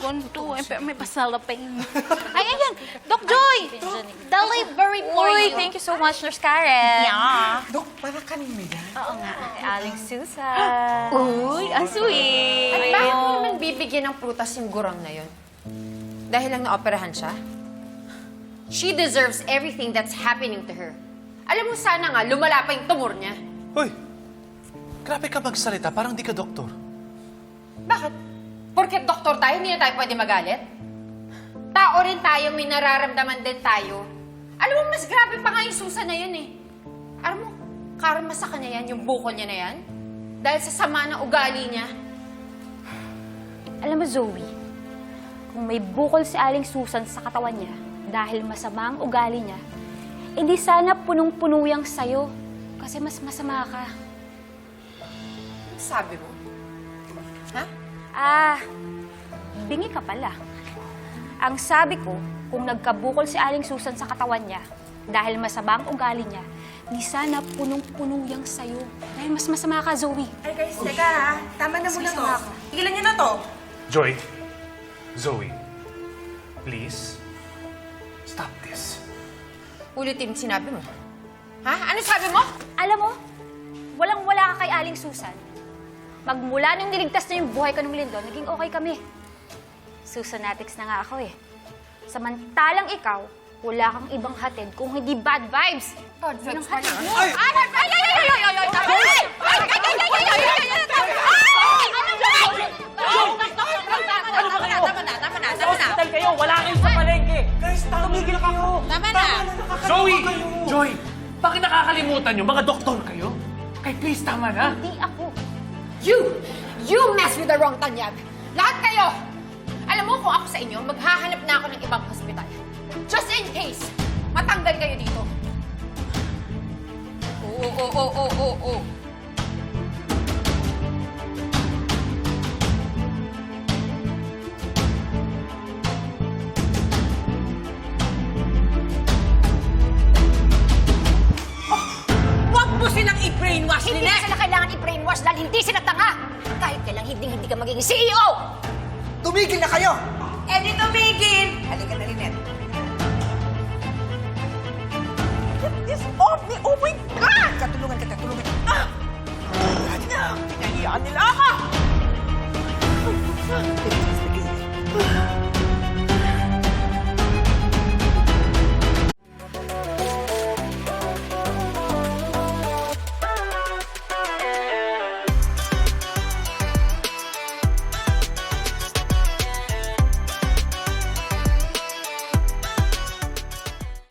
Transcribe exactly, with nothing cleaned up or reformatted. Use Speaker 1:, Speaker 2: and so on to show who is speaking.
Speaker 1: ganito. Eh, pero may pasalapin. Ay, ayan. Doc Joy! Delivery for
Speaker 2: Uy,
Speaker 1: you.
Speaker 2: thank you so much, Nurse Karen.
Speaker 1: Yeah.
Speaker 3: Dok, para kanina yan.
Speaker 2: Oo nga, kay Aling Susan.
Speaker 1: Uy, ang sweet.
Speaker 4: At bakit mo naman bibigyan ng prutas yung gurang na yun? Dahil lang naoperahan siya? She deserves everything that's happening to her. Alam mo, sana nga, lumala pa yung tumor niya.
Speaker 5: Hoy! Grabe ka magsalita, parang di ka doktor.
Speaker 4: Bakit? Porket doktor tayo, hindi na tayo pwede magalit? Tao rin tayo, may nararamdaman din tayo. Alam mo, mas grabe pa nga yung Susan na yun eh. Alam mo, karma sa kanya yan, yung bukol niya na yan. Dahil sa sama ng ugali niya.
Speaker 2: Alam mo, Zoe, kung may bukol si Aling Susan sa katawan niya dahil masama ang ugali niya, hindi sana punong-puno yang sa'yo kasi mas masama ka.
Speaker 4: Ano sabi mo? Ha?
Speaker 2: Ah, bingi ka pala. Ang sabi ko, kung nagkabukol si Aling Susan sa katawan niya dahil masama ang ugali niya, di sana punong-puno yang sa'yo. Dahil mas masama ka, Zoe.
Speaker 6: Ay guys, teka ha. Tama na muna to. Tigilan niyo na to.
Speaker 5: Joy, Zoe, please, stop this.
Speaker 4: Ulitin sinabi mo. Ha? Ano sabi mo?
Speaker 2: Alam mo, walang-wala ka kay Aling Susan. Magmula nung niligtas na yung buhay ka ng Lindon, naging okay kami. Susanatics na nga ako eh. Samantalang ikaw, wala kang ibang hatid kung hindi bad vibes.
Speaker 4: Bad vibes
Speaker 2: Yun ang hatid mo.
Speaker 5: Ay!
Speaker 2: Ay! Ay! Ay! Ay! Ay! Ay! Ay! Ay! Ay! Ay! Ay! Ay! Ay! Ay! Ay! Ay! Ay! Ay!
Speaker 4: Tama na, tama na, tama na.
Speaker 3: Hospital kayo, wala kayo sa palengke. Guys, tumigil kayo.
Speaker 4: Tama na.
Speaker 5: Zoe! Joy! Bakit nakakalimutan nyo? Mga doktor kayo? Kay please, tama na.
Speaker 2: Hindi ako.
Speaker 4: You! You mess with the wrong tanyag! Lahat kayo! Alam mo, kung ako sa inyo, maghahanap na ako ng ibang hospital. Just in case, matanggal kayo dito. Oo, oo, oo, oo, oo, oo.
Speaker 6: Huwag mo silang i-brainwash,
Speaker 7: Hindi
Speaker 6: Lynette!
Speaker 7: sila kailangan i-brainwash dahil hindi sila tanga. Kahit kailang hindi hindi ka magiging C E O.
Speaker 3: Tumigil na kayo!
Speaker 6: Eh di tumigil!
Speaker 3: Halika na, Lynette.
Speaker 6: Get this off me! Oh my God!
Speaker 3: Katulungan kita, tulungan kita.
Speaker 6: Ah! Pinahiyaan nila ako!
Speaker 3: Sige, sige.